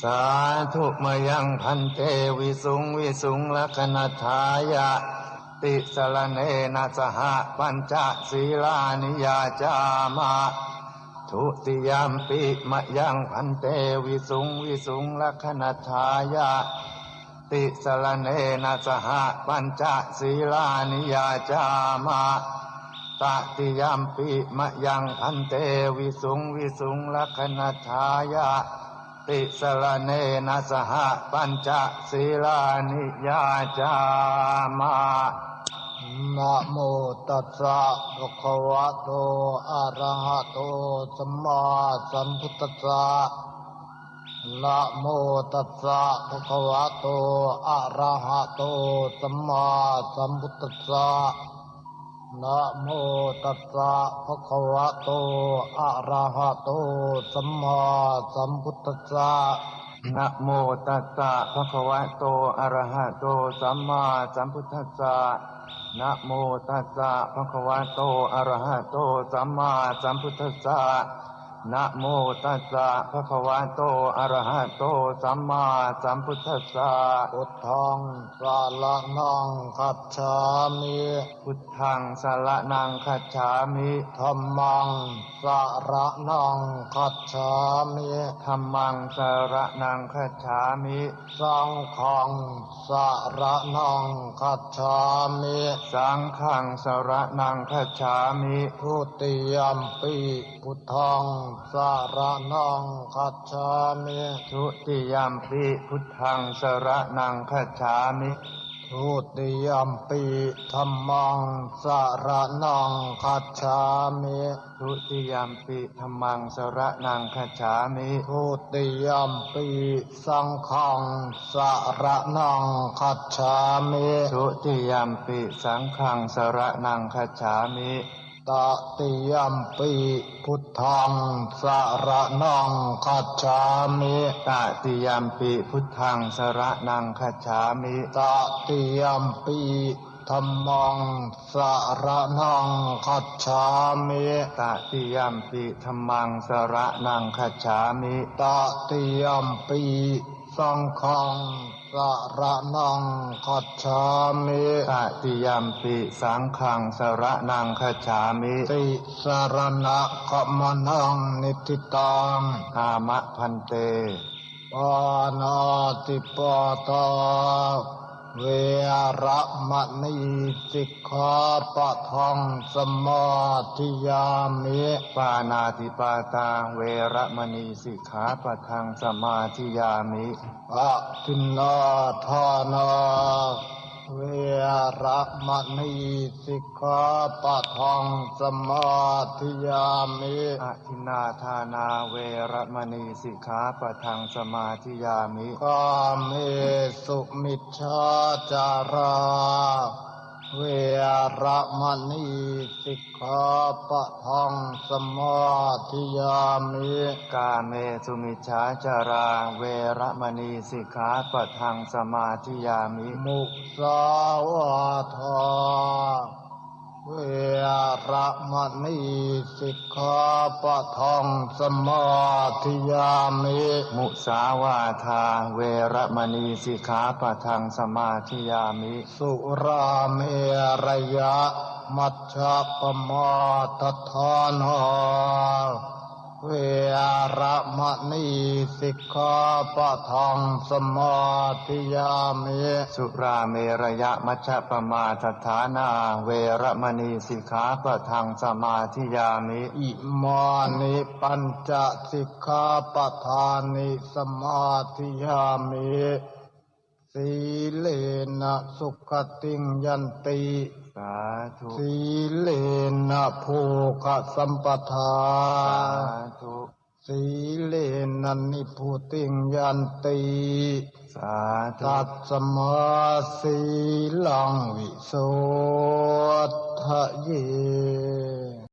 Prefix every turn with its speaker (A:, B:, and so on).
A: สาธุมยังพันเตวิสุงวิสุงลักนัฏฐายะติสรณเนนะสหปัญจศีลานิยาจามะทุติยมปิมยังพันเตวิสุงวิสุงลักนัฏฐายะติสรณเนนะสหปัญจศีลานิยาจามะตติยมปิมยังพันเตวิสุงวิสุงลักนัฏฐายะติสรณเนนะสหปัญจศีลานิยาจามะ
B: นะโมตัสสะภะคะวะโตอะระหะโตสัมมาสัมพุทธัสสะนะโมตัสสะภะคะวะโตอะระหะโตสัมมาสัมพุทธัสสะนะโมตัสสะภะคะวะโตอะระหะโตสัมมาสัมพุทธัสสะ
A: นะโมตัสสะภะคะวะโตอะระหะโตสัมมาสัมพุทธัสสะนะโมตัสสะภะคะวะโตอะระหะโตสัมมาสัมพุทธัสสะนะโมตัสสะภะคะวะโตอะระหะโตสัมมาสัมพุทธัสสะ
B: พุทธังสรณังคัจฉามิ
A: พุทธังสรณังคัจฉามิ
B: ธัมมังสรณังคัจฉามิ
A: ธัมมังสรณังคัจฉามิ
B: สังฆังสรณังคัจฉามิ
A: สังฆังสรณังคัจฉามิ
B: ทุติยมปิพุทธังสรณังคัจฉามิ
A: ทุติยมปิพุทธังสรณังคัจฉามิ
B: ทุติยมปิธัมมังสรณังคัจฉามิ
A: ทุติยมปิธัมมังสรณังคัจฉามิ
B: ทุติยมปิสังฆังสรณังคัจฉามิ
A: ทุติยมปิสังฆังสรณังคัจฉามิ
B: ตติยมปิพุทธังสรณังคัจฉามิ
A: ตติยมปิพุทธังสรณังคัจฉามิ
B: ตติยมปิธัมมังสรณังคัจฉามิ
A: ตติยมปิธัมมังสรณังคัจฉามิ
B: ตติยมปิสังฆังสรณังคัจฉามิ
A: ตติยมปิสังฆังสรณังคัจฉามิ
B: ติสรณะขมนังนิทิตัง
A: อามะพันเต
B: ปานาติปาตาเวระมณีสิกขาปะทังสมาธิยามิ
A: ปานาติปาตาเวระมณีสิกขาปะทังสมาธิยามิ
B: อะทินนาทานาเวระมณีสิกขาปะทังสมาธิยามิ
A: อะทินนาทานาเวระมณีสิกขาปะทังสมาธิยามิ
B: กาเมสุมิจฉาจาราเวระมณีสิกขาปะทังสมาธิยามิ
A: กาเมสุมิจฉาจาราเวระมณีสิกขาปะทังสมาธิยามิ
B: มุสาวาทาเวระมณีสิกขาปะทังสมาธิยามิ
A: มุสาวาทาเวระมณีสิกขาปะทังสมาธิยามิ
B: สุราเมรยะมัชฌัปปมาทฐานาเวระมณีสิกขาปะทังสมาธิยามิ
A: สุราเมรยะมัชฌัปปมาทฐานาเวระมณีสิกขาปะทังสมาธิยามิ
B: อิมานิปัญจสิกขาปะทานิสมาธิยามิสีเลนะสุขติงยันติ
A: สาธุ
B: สีเลนะโภคสัมปทา
A: สาธุ
B: สีเลนะนิพุติงยันติ
A: สาธุ
B: ตัสสมาสีลังวิโสทะเย